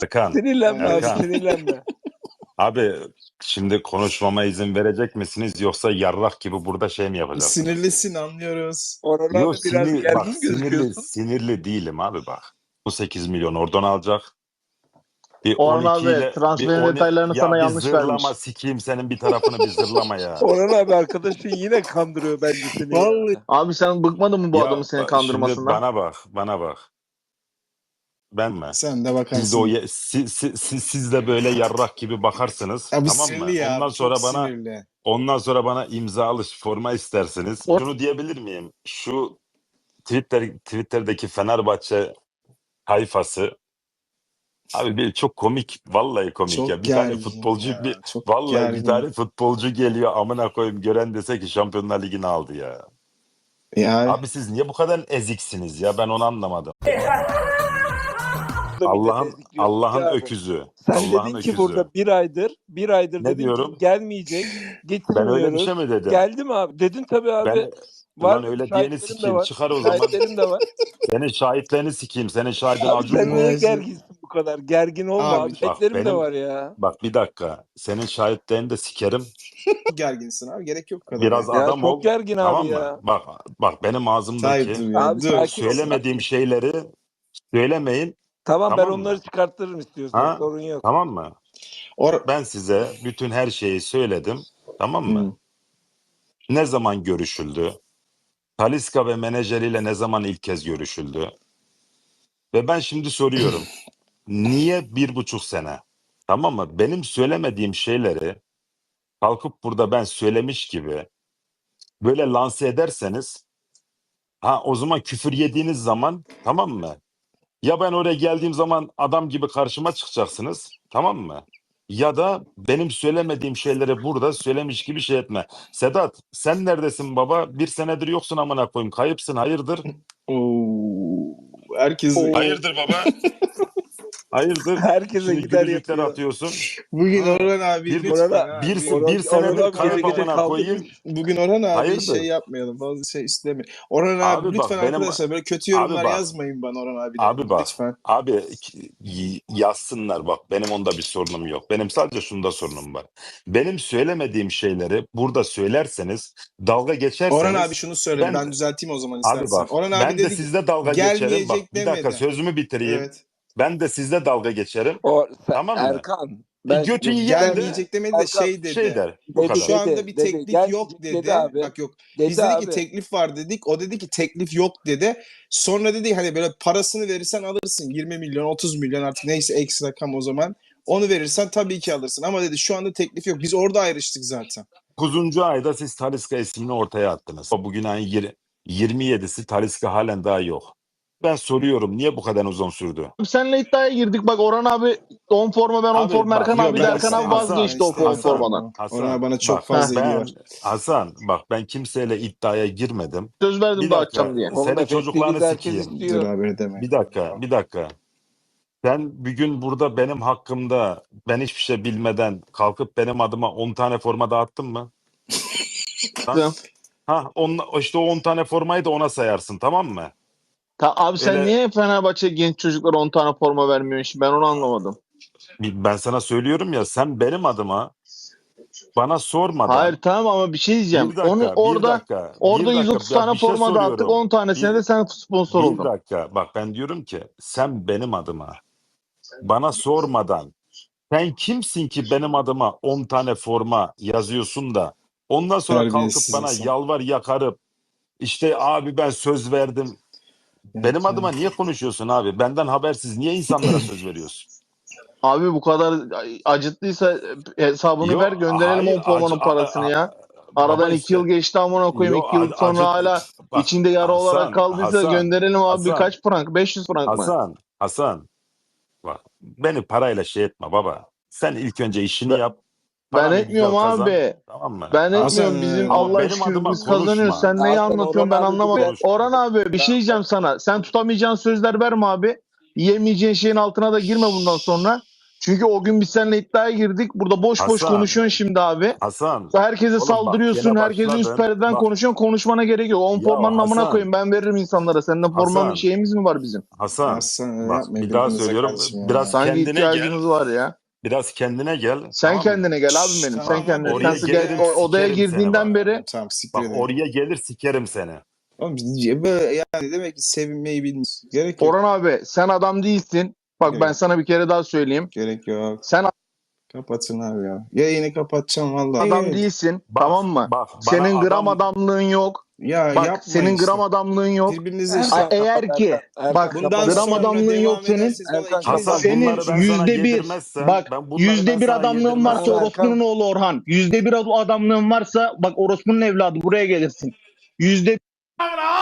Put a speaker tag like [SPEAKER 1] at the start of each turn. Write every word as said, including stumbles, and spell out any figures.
[SPEAKER 1] Erkan.
[SPEAKER 2] Sinirlenme abi,
[SPEAKER 1] Erkan.
[SPEAKER 2] sinirlenme.
[SPEAKER 1] Abi şimdi konuşmama izin verecek misiniz yoksa yarrak gibi burada şey mi yapacaksınız?
[SPEAKER 3] Sinirlisin, anlıyoruz.
[SPEAKER 2] Orhan
[SPEAKER 1] Yok
[SPEAKER 2] abi biraz
[SPEAKER 1] sinir, bak
[SPEAKER 2] gergin
[SPEAKER 1] sinirli
[SPEAKER 2] gözüküyorsun.
[SPEAKER 1] sinirli değilim abi bak. Bu sekiz milyon oradan alacak. Bir
[SPEAKER 4] Orhan
[SPEAKER 1] on iki
[SPEAKER 4] abi
[SPEAKER 1] ile bir
[SPEAKER 4] transferin
[SPEAKER 1] on
[SPEAKER 4] detaylarını
[SPEAKER 1] ya
[SPEAKER 4] sana
[SPEAKER 1] bir
[SPEAKER 4] yanlış
[SPEAKER 1] zırlama
[SPEAKER 4] vermiş.
[SPEAKER 1] sikeyim senin bir tarafını bir zırlama ya.
[SPEAKER 2] Orhan abi arkadaşın yine kandırıyor bence seni.
[SPEAKER 3] Vallahi.
[SPEAKER 2] Ya.
[SPEAKER 4] Abi sen bıkmadın mı bu
[SPEAKER 1] Ya
[SPEAKER 4] adamın seni
[SPEAKER 1] ba- şimdi
[SPEAKER 4] kandırmasından?
[SPEAKER 1] bana bak, bana bak. Ben mi?
[SPEAKER 3] Sen de
[SPEAKER 1] Siz de
[SPEAKER 3] bakarsın.
[SPEAKER 1] o ye- si- si- si- siz de böyle yarrak gibi bakarsınız.
[SPEAKER 3] Ya bu
[SPEAKER 1] Tamam mı?
[SPEAKER 3] sinirli ya.
[SPEAKER 1] Ondan
[SPEAKER 3] Çok
[SPEAKER 1] sonra bana
[SPEAKER 3] sinirli.
[SPEAKER 1] ondan sonra bana imzalı forma istersiniz.
[SPEAKER 4] O-
[SPEAKER 1] Şunu diyebilir miyim? Şu Twitter Twitter'daki Fenerbahçe tayfası abi bir çok komik. Vallahi komik
[SPEAKER 3] Çok
[SPEAKER 1] ya. Bir tane
[SPEAKER 3] gergin
[SPEAKER 1] futbolcu
[SPEAKER 3] ya.
[SPEAKER 1] bir
[SPEAKER 3] Çok
[SPEAKER 1] vallahi bir
[SPEAKER 3] gergin.
[SPEAKER 1] tane futbolcu geliyor amına koyayım gören dese ki Şampiyonlar Ligi'ni aldı ya.
[SPEAKER 3] Yani
[SPEAKER 1] Abi siz niye bu kadar eziksiniz ya? Ben onu anlamadım.
[SPEAKER 2] Burada millet
[SPEAKER 1] Allah'ın
[SPEAKER 2] ezikliyorsun
[SPEAKER 1] Allah'ın
[SPEAKER 2] ya abi.
[SPEAKER 1] öküzü.
[SPEAKER 2] Sen
[SPEAKER 1] Allah'ın
[SPEAKER 2] dedin ki
[SPEAKER 1] öküzü.
[SPEAKER 2] burada bir aydır, bir aydır
[SPEAKER 1] Ne
[SPEAKER 2] dedin
[SPEAKER 1] diyorum?
[SPEAKER 2] ki gelmeyecek,
[SPEAKER 1] Ben öyle bir
[SPEAKER 2] getirmiyoruz.
[SPEAKER 1] şey mi dedim?
[SPEAKER 2] Geldi mi abi? Dedin tabii abi.
[SPEAKER 1] Ben
[SPEAKER 2] Var
[SPEAKER 1] ulan öyle diyeni
[SPEAKER 2] şahitlerim de
[SPEAKER 1] sikeyim.
[SPEAKER 2] var.
[SPEAKER 1] Çıkar o zaman.
[SPEAKER 2] Şahitlerim de var.
[SPEAKER 1] Senin şahitlerini sikeyim. Senin şahidin
[SPEAKER 2] Abi
[SPEAKER 1] Acun
[SPEAKER 2] sen
[SPEAKER 1] mu?
[SPEAKER 2] niye
[SPEAKER 3] Neyse.
[SPEAKER 2] gerginsin bu kadar? Gergin olma
[SPEAKER 3] Abi,
[SPEAKER 2] abi.
[SPEAKER 1] Bak
[SPEAKER 2] Şahitlerim de
[SPEAKER 1] benim
[SPEAKER 2] var ya.
[SPEAKER 1] bak bir dakika. Senin şahitlerini de sikerim.
[SPEAKER 3] çok gerginsin abi. Gerek yok bu kadar.
[SPEAKER 1] Biraz
[SPEAKER 3] ya.
[SPEAKER 2] Ya
[SPEAKER 1] adam
[SPEAKER 2] çok
[SPEAKER 1] ol.
[SPEAKER 2] gergin
[SPEAKER 1] Tamam
[SPEAKER 2] abi
[SPEAKER 1] mı?
[SPEAKER 2] ya.
[SPEAKER 1] Bak bak benim ağzımdaki
[SPEAKER 3] Tayyip dur ya.
[SPEAKER 2] Abi
[SPEAKER 3] Dur.
[SPEAKER 2] sakin ol.
[SPEAKER 1] söylemediğim şeyleri söylemeyin.
[SPEAKER 2] Tamam, ben
[SPEAKER 1] Tamam
[SPEAKER 2] onları
[SPEAKER 1] mı?
[SPEAKER 2] çıkartırım istiyorsan.
[SPEAKER 1] Ha?
[SPEAKER 2] Sorun yok.
[SPEAKER 1] Tamam mı?
[SPEAKER 3] Or
[SPEAKER 1] Ben size bütün her şeyi söyledim. Tamam mı?
[SPEAKER 4] Hı.
[SPEAKER 1] Ne zaman görüşüldü? Talisca ve menajeriyle ne zaman ilk kez görüşüldü? Ve ben şimdi soruyorum. Niye bir buçuk sene? Tamam mı? Benim söylemediğim şeyleri kalkıp burada ben söylemiş gibi böyle lanse ederseniz ha o zaman küfür yediğiniz zaman tamam mı? Ya ben oraya geldiğim zaman adam gibi karşıma çıkacaksınız. Tamam mı? Ya da benim söylemediğim şeyleri burada söylemiş gibi şey etme. Sedat sen neredesin baba? Bir senedir yoksun amına koyayım. Kayıpsın hayırdır?
[SPEAKER 3] Oo. Herkes
[SPEAKER 2] Oo.
[SPEAKER 1] Hayırdır baba? Hayırdır?
[SPEAKER 2] Herkese
[SPEAKER 1] Şimdi
[SPEAKER 2] gider
[SPEAKER 1] gülücükler
[SPEAKER 2] yapıyor.
[SPEAKER 1] atıyorsun.
[SPEAKER 3] bugün
[SPEAKER 1] Ha.
[SPEAKER 3] Orhan abi
[SPEAKER 1] Bir-
[SPEAKER 3] lütfen
[SPEAKER 2] Orhan-
[SPEAKER 3] ha.
[SPEAKER 1] Bir,
[SPEAKER 3] Bugün-
[SPEAKER 1] bir
[SPEAKER 2] Orhan-
[SPEAKER 1] senedir
[SPEAKER 2] Orhan abi
[SPEAKER 1] kayıp
[SPEAKER 2] gece gece
[SPEAKER 1] amına koyayım.
[SPEAKER 2] kaldırmış.
[SPEAKER 3] Bugün Orhan abi
[SPEAKER 1] Hayırdır?
[SPEAKER 3] şey yapmayalım. Fazla şey istemeyin. Orhan abi,
[SPEAKER 1] Abi bak,
[SPEAKER 3] lütfen
[SPEAKER 1] benim-
[SPEAKER 3] arkadaşlar böyle kötü yorumlar
[SPEAKER 1] Abi bak.
[SPEAKER 3] yazmayın bana Orhan abi.
[SPEAKER 1] Abi bak.
[SPEAKER 3] Lütfen.
[SPEAKER 1] Abi y- yazsınlar bak benim onda bir sorunum yok. Benim sadece şunda sorunum var. Benim söylemediğim şeyleri burada söylerseniz dalga geçerseniz
[SPEAKER 3] Orhan abi şunu söyledi. Ben,
[SPEAKER 1] ben-
[SPEAKER 3] düzelteyim o zaman
[SPEAKER 1] abi
[SPEAKER 3] istersen.
[SPEAKER 1] bak
[SPEAKER 3] Orhan abi
[SPEAKER 1] ben de
[SPEAKER 3] dedi ki
[SPEAKER 1] sizle dalga
[SPEAKER 3] gelmeyecek
[SPEAKER 1] geçerim. Bak bir dakika
[SPEAKER 3] demedi.
[SPEAKER 1] sözümü bitireyim.
[SPEAKER 3] evet.
[SPEAKER 1] Ben de sizle dalga geçerim.
[SPEAKER 2] O, sen,
[SPEAKER 1] Tamam mı?
[SPEAKER 2] Erkan. Ben,
[SPEAKER 1] Götü
[SPEAKER 2] Yok,
[SPEAKER 1] yiyen de
[SPEAKER 3] Gelmeyecek demedi de
[SPEAKER 2] Erkan,
[SPEAKER 3] şey dedi.
[SPEAKER 1] şey der. Bu
[SPEAKER 2] Dedi,
[SPEAKER 1] kadar.
[SPEAKER 3] Şu anda
[SPEAKER 2] dedi,
[SPEAKER 3] bir
[SPEAKER 2] dedi.
[SPEAKER 3] teklif
[SPEAKER 2] Gelmeyecek
[SPEAKER 3] yok dedi.
[SPEAKER 2] dedi abi.
[SPEAKER 3] Bak yok.
[SPEAKER 2] dedi
[SPEAKER 3] Biz dedik
[SPEAKER 2] abi.
[SPEAKER 3] ki teklif var dedik. O dedi ki teklif yok dedi. Sonra dedi hani böyle parasını verirsen alırsın. yirmi milyon, otuz milyon artık neyse ekstra rakam o zaman. Onu verirsen tabii ki alırsın. Ama dedi şu anda teklif yok. Biz orada ayrıştık zaten.
[SPEAKER 1] dokuzuncu ayda siz Talisca ismini ortaya attınız. Bugün ayın yir- yirmi yedisi Talisca halen daha yok. Ben soruyorum niye bu kadar uzun sürdü?
[SPEAKER 4] Abi seninle iddiaya girdik. Bak Orhan abi on forma ben on
[SPEAKER 1] Abi
[SPEAKER 4] forma
[SPEAKER 1] bak,
[SPEAKER 4] Erkan
[SPEAKER 1] yok,
[SPEAKER 4] abi de
[SPEAKER 1] ben
[SPEAKER 4] Erkan abi
[SPEAKER 1] istemiyorum.
[SPEAKER 4] vazgeçti o
[SPEAKER 3] Hasan,
[SPEAKER 4] on
[SPEAKER 1] Hasan,
[SPEAKER 4] formadan.
[SPEAKER 1] Hasan,
[SPEAKER 3] Orhan abi bana çok
[SPEAKER 1] bak,
[SPEAKER 3] fazla
[SPEAKER 1] ben,
[SPEAKER 3] ilgi var.
[SPEAKER 1] Hasan bak ben kimseyle iddiaya girmedim.
[SPEAKER 4] Söz verdim
[SPEAKER 1] Bir
[SPEAKER 4] de
[SPEAKER 1] dakika
[SPEAKER 4] açacağım diye.
[SPEAKER 2] Oğlum,
[SPEAKER 1] senin
[SPEAKER 2] efektiviz
[SPEAKER 1] çocuklarını
[SPEAKER 2] herkes
[SPEAKER 1] sikeyim.
[SPEAKER 2] istiyor.
[SPEAKER 3] Dur abi demek.
[SPEAKER 1] Bir dakika bir dakika. Sen bir gün burada benim hakkımda ben hiçbir şey bilmeden kalkıp benim adıma on tane forma dağıttın mı? ha? ha on, işte o on tane formayı da ona sayarsın tamam mı?
[SPEAKER 4] Ta, abi sen
[SPEAKER 1] Öyle-
[SPEAKER 4] niye Fenerbahçe genç çocuklara on tane forma vermiyorsun? Şimdi ben onu anlamadım.
[SPEAKER 1] Ben sana söylüyorum ya sen benim adıma bana sormadan
[SPEAKER 4] Hayır tamam ama bir şey diyeceğim.
[SPEAKER 1] bir dakika,
[SPEAKER 4] Onu
[SPEAKER 1] bir
[SPEAKER 4] orada
[SPEAKER 1] dakika,
[SPEAKER 4] orada
[SPEAKER 1] bir dakika.
[SPEAKER 4] yüz otuz
[SPEAKER 1] Ya
[SPEAKER 4] tane
[SPEAKER 1] bir şey
[SPEAKER 4] forma dağıttık.
[SPEAKER 1] soruyorum.
[SPEAKER 4] on tanesine
[SPEAKER 1] Bir-
[SPEAKER 4] de sen sponsor
[SPEAKER 1] Bir
[SPEAKER 4] oldun.
[SPEAKER 1] dakika bak ben diyorum ki sen benim adıma bana sormadan sen kimsin ki benim adıma on tane forma yazıyorsun da ondan sonra kalkıp
[SPEAKER 3] Terbiyesiz
[SPEAKER 1] bana
[SPEAKER 3] insan.
[SPEAKER 1] yalvar yakarıp işte abi ben söz verdim. Benim
[SPEAKER 3] Evet,
[SPEAKER 1] adıma
[SPEAKER 3] evet.
[SPEAKER 1] niye konuşuyorsun abi? Benden habersiz niye insanlara söz veriyorsun?
[SPEAKER 4] Abi bu kadar acıttıysa hesabını
[SPEAKER 1] Yok,
[SPEAKER 4] ver gönderelim
[SPEAKER 1] hayır,
[SPEAKER 4] on formanın
[SPEAKER 1] acı-
[SPEAKER 4] parasını
[SPEAKER 1] a- a-
[SPEAKER 4] ya.
[SPEAKER 1] a-
[SPEAKER 4] Aradan
[SPEAKER 1] baba
[SPEAKER 4] iki
[SPEAKER 1] işte-
[SPEAKER 4] yıl geçti amına koyayım.
[SPEAKER 1] Yok,
[SPEAKER 4] iki yıl
[SPEAKER 1] acı-
[SPEAKER 4] sonra hala
[SPEAKER 1] bak,
[SPEAKER 4] içinde yara
[SPEAKER 1] Hasan,
[SPEAKER 4] olarak kaldıysa
[SPEAKER 1] Hasan,
[SPEAKER 4] gönderelim abi
[SPEAKER 1] Hasan.
[SPEAKER 4] kaç frank? beş yüz frank mı?
[SPEAKER 1] Hasan, Hasan. Bak beni parayla şey etme baba. Sen ilk önce işini
[SPEAKER 4] Ben-
[SPEAKER 1] yap.
[SPEAKER 4] Ben
[SPEAKER 1] paranı
[SPEAKER 4] etmiyorum
[SPEAKER 1] güzel kazan,
[SPEAKER 4] abi.
[SPEAKER 1] Tamam mı?
[SPEAKER 4] Ben
[SPEAKER 1] Ha?
[SPEAKER 4] etmiyorum.
[SPEAKER 3] Hasan,
[SPEAKER 4] Bizim
[SPEAKER 3] ama
[SPEAKER 4] Allah
[SPEAKER 1] benim
[SPEAKER 4] şükür
[SPEAKER 1] adıma
[SPEAKER 4] biz kazanıyoruz.
[SPEAKER 1] konuşma.
[SPEAKER 4] Sen neyi
[SPEAKER 2] Hasan,
[SPEAKER 4] anlatıyorsun
[SPEAKER 2] Orhan
[SPEAKER 4] ben
[SPEAKER 2] abi
[SPEAKER 4] anlamadım.
[SPEAKER 2] güzel-
[SPEAKER 4] Orhan abi bir şey diyeceğim sana. Sen tutamayacağın sözler verme abi. Yiyemeyeceğin şeyin altına da girme bundan sonra. Çünkü o gün biz seninle iddiaya girdik. Burada boş boş
[SPEAKER 1] Hasan.
[SPEAKER 4] konuşuyorsun şimdi abi.
[SPEAKER 1] Hasan.
[SPEAKER 4] Herkese
[SPEAKER 1] Oğlum bak,
[SPEAKER 4] saldırıyorsun.
[SPEAKER 1] gene
[SPEAKER 4] Herkese üst
[SPEAKER 1] başladın.
[SPEAKER 4] perdeden
[SPEAKER 1] Bak.
[SPEAKER 4] konuşuyorsun. Konuşmana gerek yok. On
[SPEAKER 1] Ya
[SPEAKER 4] formanın amına
[SPEAKER 1] Hasan.
[SPEAKER 4] koyayım. Ben veririm insanlara. Seninle forma
[SPEAKER 1] Hasan.
[SPEAKER 4] şeyimiz mi var bizim?
[SPEAKER 1] Hasan.
[SPEAKER 3] Aslan öyle
[SPEAKER 1] Bak
[SPEAKER 3] yapmayın
[SPEAKER 1] bir daha
[SPEAKER 3] birbirinize
[SPEAKER 1] söylüyorum.
[SPEAKER 3] kardeşim ya.
[SPEAKER 1] Biraz
[SPEAKER 4] Sanki
[SPEAKER 1] kendine gel.
[SPEAKER 4] ihtiyacımız var ya.
[SPEAKER 1] Biraz kendine gel.
[SPEAKER 4] Sen
[SPEAKER 1] tamam mı?
[SPEAKER 4] kendine gel abim
[SPEAKER 3] Şşş,
[SPEAKER 4] benim.
[SPEAKER 3] tamam,
[SPEAKER 4] Sen kendine.
[SPEAKER 1] oraya
[SPEAKER 4] Sen
[SPEAKER 1] gelirim,
[SPEAKER 4] gel, o- odaya
[SPEAKER 1] sikerim seni
[SPEAKER 4] girdiğinden
[SPEAKER 1] bak.
[SPEAKER 4] beri
[SPEAKER 3] Tamam siktir
[SPEAKER 1] Bak
[SPEAKER 3] edin.
[SPEAKER 1] oraya gelir sikerim seni.
[SPEAKER 3] Oğlum böyle yani demek ki sevinmeyi bilmiyorsun. Gerek yok.
[SPEAKER 4] Orhan abi sen adam değilsin. Bak ben
[SPEAKER 3] Evet.
[SPEAKER 4] sana bir kere daha söyleyeyim.
[SPEAKER 3] Gerek yok.
[SPEAKER 4] Sen
[SPEAKER 3] Kapatın abi ya. Yayını kapatacağım vallahi.
[SPEAKER 4] adam
[SPEAKER 3] Evet.
[SPEAKER 4] değilsin.
[SPEAKER 1] Bak,
[SPEAKER 4] tamam mı?
[SPEAKER 1] bak, bana
[SPEAKER 4] Senin gram
[SPEAKER 1] adam-
[SPEAKER 4] adamlığın yok.
[SPEAKER 3] Ya
[SPEAKER 4] Bak
[SPEAKER 3] yapmayın
[SPEAKER 4] senin
[SPEAKER 3] işte.
[SPEAKER 4] gram adamlığın yok.
[SPEAKER 3] Birbirinize
[SPEAKER 2] Erkan,
[SPEAKER 3] işte.
[SPEAKER 4] A- eğer ki
[SPEAKER 2] Erkan,
[SPEAKER 4] bak
[SPEAKER 2] Erkan,
[SPEAKER 3] Bundan
[SPEAKER 2] kapat.
[SPEAKER 4] gram
[SPEAKER 3] sonra
[SPEAKER 4] adamlığın
[SPEAKER 3] devam
[SPEAKER 4] yok senin.
[SPEAKER 3] ederseniz bana
[SPEAKER 2] Erkan,
[SPEAKER 3] ikiniz
[SPEAKER 1] Hasan
[SPEAKER 3] de-
[SPEAKER 4] Senin
[SPEAKER 1] bunları ben sana
[SPEAKER 4] yüzde bir,
[SPEAKER 1] yedirmezsem,
[SPEAKER 4] bak
[SPEAKER 1] ben bunları
[SPEAKER 4] yüzde
[SPEAKER 1] ben
[SPEAKER 4] bir
[SPEAKER 1] sana
[SPEAKER 4] adamlığın varsa
[SPEAKER 1] yedirmezsem-
[SPEAKER 4] orospunun oğlu Orhan. Yüzde bir adamlığın varsa bak orospunun evladı buraya gelirsin. Yüzde